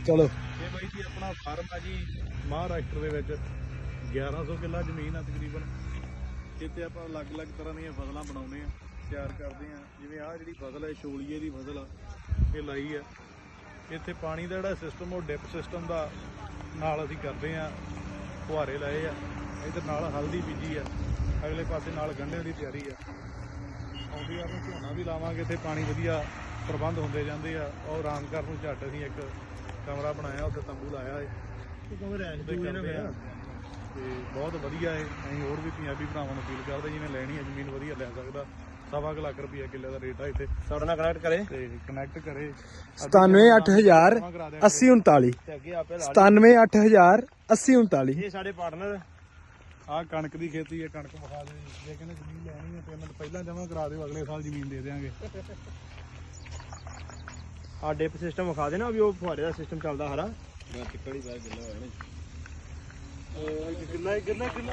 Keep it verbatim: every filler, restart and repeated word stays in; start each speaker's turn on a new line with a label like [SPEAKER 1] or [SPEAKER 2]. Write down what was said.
[SPEAKER 1] ਚਲੋ
[SPEAKER 2] ਇਹ ਬਾਈ ਜੀ ਆਪਣਾ ਫਾਰਮ ਆ ਜੀ ਮਹਾਰਾਸ਼ਟਰ ਦੇ ਵਿੱਚ ਗਿਆਰਾਂ ਸੌ ਕਿੱਲਾ ਜ਼ਮੀਨ ਆ ਤਕਰੀਬਨ। ਇੱਥੇ ਆਪਾਂ ਅਲੱਗ-ਅਲੱਗ ਤਰ੍ਹਾਂ ਦੀਆਂ ਫਸਲਾਂ ਬਣਾਉਂਦੇ ਆ, ਤਿਆਰ ਕਰਦੇ ਆ। ਜਿਵੇਂ ਆਹ ਜਿਹੜੀ ਫਸਲ ਹੈ ਛੋਲੀਏ ਦੀ ਫਸਲ ਆ, ਇਹ ਲਾਈ ਆ। ਇੱਥੇ ਪਾਣੀ ਦਾ ਜਿਹੜਾ ਸਿਸਟਮ ਉਹ ਡਿਪ ਸਿਸਟਮ ਦਾ ਨਾਲ ਅਸੀਂ ਕਰਦੇ ਆ, ਫੁਹਾਰੇ ਲਾਏ ਆ। ਇੱਧਰ ਨਾਲ ਹਲਦੀ ਬੀਜੀ ਆ, ਅਗਲੇ ਪਾਸੇ ਨਾਲ ਗੰਢੇ ਦੀ ਤਿਆਰੀ ਆ। ਆਉਂਦੀ ਆ ਨੂੰ ਝੋਨਾ ਵੀ ਲਾਵਾਂਗੇ। ਇੱਥੇ ਪਾਣੀ ਵਧੀਆ ਪ੍ਰਬੰਧ ਹੁੰਦੇ ਜਾਂਦੇ ਆ। ਔਰ ਆਰਾਮ ਕਰਨ ਨੂੰ ਝੱਟ ਅਸੀਂ ਇੱਕ ਕਮਰਾ ਬਣਾਇਆ, ਉੱਥੇ ਤੰਬੂ ਲਾਇਆ ਹੈ ਤੇ ਬਹੁਤ ਵਧੀਆ ਹੈ। ਅਸੀਂ ਹੋਰ ਵੀ ਪੰਜਾਬੀ ਭਰਾਵਾਂ ਨੂੰ ਅਪੀਲ ਕਰਦੇ, ਜਿਹਨੇ ਲੈਣੀ ਹੈ ਜ਼ਮੀਨ ਵਧੀਆ ਲੈ ਸਕਦਾ। ਸਵਾ ਕੁ ਲੱਖ ਰੁਪਈਆ ਕਿੱਲੇ ਦਾ ਰੇਟ ਆ ਇੱਥੇ। ਸਾਡੇ ਨਾਲ ਕਨੈਕਟ ਕਰੇ ਤੇ ਕਨੈਕਟ ਕਰੇ
[SPEAKER 1] ਸਤਾਨਵੇਂ ਅੱਠ ਹਜ਼ਾਰ ਅੱਸੀ ਉਨਤਾਲੀ ਸਤਾਨਵੇਂ ਅੱਠ ਹਜ਼ਾਰ ਅੱਸੀ ਉਨਤਾਲੀ।
[SPEAKER 2] ਇਹ ਸਾਡੇ ਪਾਰਟਨਰ। ਆਹ ਕਣਕ ਦੀ ਖੇਤੀ ਹੈ, ਕਣਕ ਵਿਖਾ ਦੇ। ਜੇ ਕਹਿੰਦੇ ਜ਼ਮੀਨ ਲੈਣੀ ਹੈ ਪੇਮੈਂਟ ਪਹਿਲਾਂ ਜਮ੍ਹਾਂ ਕਰਾ ਦਿਓ, ਅਗਲੇ ਸਾਲ ਜ਼ਮੀਨ ਦੇ ਦਿਆਂਗੇ।
[SPEAKER 3] ਆ ਡਿਪ ਸਿਸਟਮ ਵਿਖਾ ਦੇਣਾ ਵੀ ਉਹ ਫੁਹਾਰੇ ਦਾ ਸਿਸਟਮ ਚੱਲਦਾ ਹਰਾ
[SPEAKER 2] ਚਿੱਕੜੀ ਪੈ ਗਿੱਲਾ ਹੋਇਆ ਨਾ ਗਿੱਲਾ ਗਿੱਲਾ ਗਿੱਲਾ